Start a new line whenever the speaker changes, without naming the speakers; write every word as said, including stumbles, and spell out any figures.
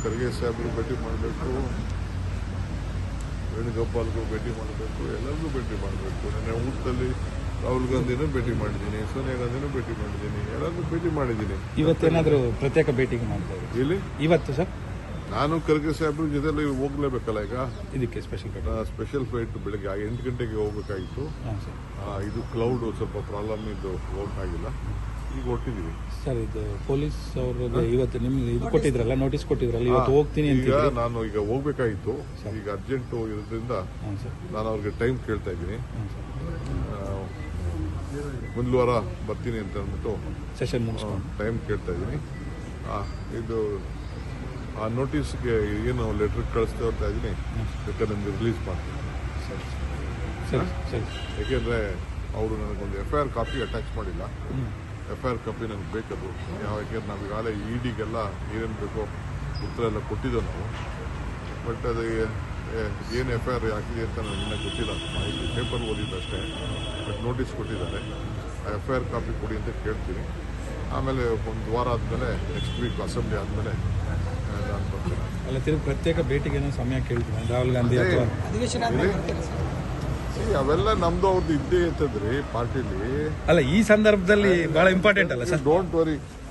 ಖರ್ಗೆ ಸಾಹೇಬ್ರು ಭೇಟಿ ಮಾಡಬೇಕು, ವೇಣುಗೋಪಾಲ್ಗೂ ಭೇಟಿ ಮಾಡಬೇಕು, ಎಲ್ಲರಿಗೂ ಭೇಟಿ ಮಾಡಬೇಕು. ನನ್ನ ಊಟದಲ್ಲಿ ರಾಹುಲ್ ಗಾಂಧಿನೂ ಭೇಟಿ ಮಾಡಿದ್ದೀನಿ, ಸೋನಿಯಾ ಗಾಂಧಿನೂ ಭೇಟಿ ಮಾಡಿದ್ದೀನಿ, ಎಲ್ಲರಿಗೂ ಭೇಟಿ ಮಾಡಿದ್ದೀನಿ.
ಇವತ್ತೇನಾದರೂ ಪ್ರತ್ಯೇಕ ಭೇಟಿಗೆ ಮಾಡ್ತಾರೆ
ಇಲ್ಲಿ
ಇವತ್ತು ಸರ್?
ನಾನು ಖರ್ಗೆ ಸಾಹೇಬ್ರ ಜೊತೆಲಿ ಹೋಗ್ಲೇಬೇಕಲ್ಲ. ಈಗ
ಇದಕ್ಕೆ ಸ್ಪೆಷಲ್ ಭೇಟಿ,
ಸ್ಪೆಷಲ್ ಫ್ಲೈಟ್ ಬೆಳಗ್ಗೆ ಎಂಟು ಗಂಟೆಗೆ ಹೋಗ್ಬೇಕಾಗಿತ್ತು.
ಹಾಂ ಸರ್.
ಇದು ಕ್ಲೌಡ್ ಸ್ವಲ್ಪ ಪ್ರಾಬ್ಲಮ್ ಇದ್ದು ಹೋಗಕ್ಕಾಗಿಲ್ಲ. ಈಗ ಹೊಟ್ಟಿದ್ದೀವಿ
ಸರ್. ಇದು ಪೊಲೀಸ್ ಅವ್ರಿಗೆ ಇವತ್ತು ನಿಮ್ಗೆ ಇದು ಕೊಟ್ಟಿದ್ರಲ್ಲ, ನೋಟಿಸ್ ಕೊಟ್ಟಿದ್ರಲ್ಲ, ಇವತ್ತು ಹೋಗ್ತೀನಿ ಅಂತ.
ಈಗ ನಾನು ಈಗ ಹೋಗ್ಬೇಕಾಗಿತ್ತು, ಈಗ ಅರ್ಜೆಂಟ್ ಇರೋದ್ರಿಂದ ನಾನು ಅವ್ರಿಗೆ ಟೈಮ್ ಕೇಳ್ತಾ ಇದ್ದೀನಿ. ಮುಂದಿನ ವಾರ ಬರ್ತೀನಿ ಅಂತ ಅಂದ್ಬಿಟ್ಟು
ಸೆಷನ್ ಮುಗಿಸ್ಕೊಂಡು
ಟೈಮ್ ಕೇಳ್ತಾ ಇದ್ದೀನಿ. ಇದು ಆ ನೋಟಿಸ್ಗೆ ಏನು ಲೆಟರ್ ಕಳಿಸ್ತಾ ಹೋಗ್ತಾ ಇದ್ದೀನಿ, ಬೇಕಾದ್ರೆ ನಿಮ್ಗೆ ರಿಲೀಸ್ ಮಾಡ್ತೀನಿ.
ಸರಿ ಸರಿ.
ಯಾಕೆಂದರೆ ಅವರು ನನಗೊಂದು F I R copy attach ಮಾಡಿಲ್ಲ. ಎಫ್ ಐ ಆರ್ ಕಾಪಿ ನನಗೆ ಬೇಕದು. ಯಾವ ಯಾಕೆಂದ್ರೆ ನಾವು ಈಗಾಗಲೇ ಇ ಡಿಗೆಲ್ಲ ಏನೇನು ಬೇಕೋ ಉತ್ತರ ಎಲ್ಲ ಕೊಟ್ಟಿದ್ದೋ ನಾವು. ಬಟ್ ಅದು ಏನು ಎಫ್ ಐ ಆರ್ ಹಾಕಿದೆ ಅಂತ ನನಗೆ ಇನ್ನೂ ಗೊತ್ತಿಲ್ಲ. ಮಾಹಿತಿ ಪೇಪರ್ ಓದಿದ್ದಷ್ಟೇ. ಬಟ್ ನೋಟಿಸ್ ಕೊಟ್ಟಿದ್ದಾರೆ. ಆ ಎಫ್ ಐ ಆರ್ ಕಾಪಿ ಕೊಡಿ ಅಂತ ಕೇಳ್ತೀನಿ. ಆಮೇಲೆ ಒಂದು ವಾರ ಆದಮೇಲೆ ನೆಕ್ಸ್ಟ್ ವೀಕ್ ಅಸೆಂಬ್ಲಿ ಆದಮೇಲೆ ನಾನು ಬರ್ತೀನಿ.
ಅಲ್ಲ, ತಿರುಗಿ ಪ್ರತ್ಯೇಕ ಭೇಟಿಗೆ ಸಮಯ ಕೇಳ್ತೀನಿ ರಾಹುಲ್ ಗಾಂಧಿ ಅಥವಾ
ಅವೆಲ್ಲ ನಮ್ದು ಅವ್ರದ್ದು ಇದ್ದೇ ಇರ್ತದ್ರಿ ಪಾರ್ಟಿಲಿ.
ಅಲ್ಲ, ಈ ಸಂದರ್ಭದಲ್ಲಿ ಬಹಳ ಇಂಪಾರ್ಟೆಂಟ್ ಅಲ್ಲ ಸರ್?
Don't worry.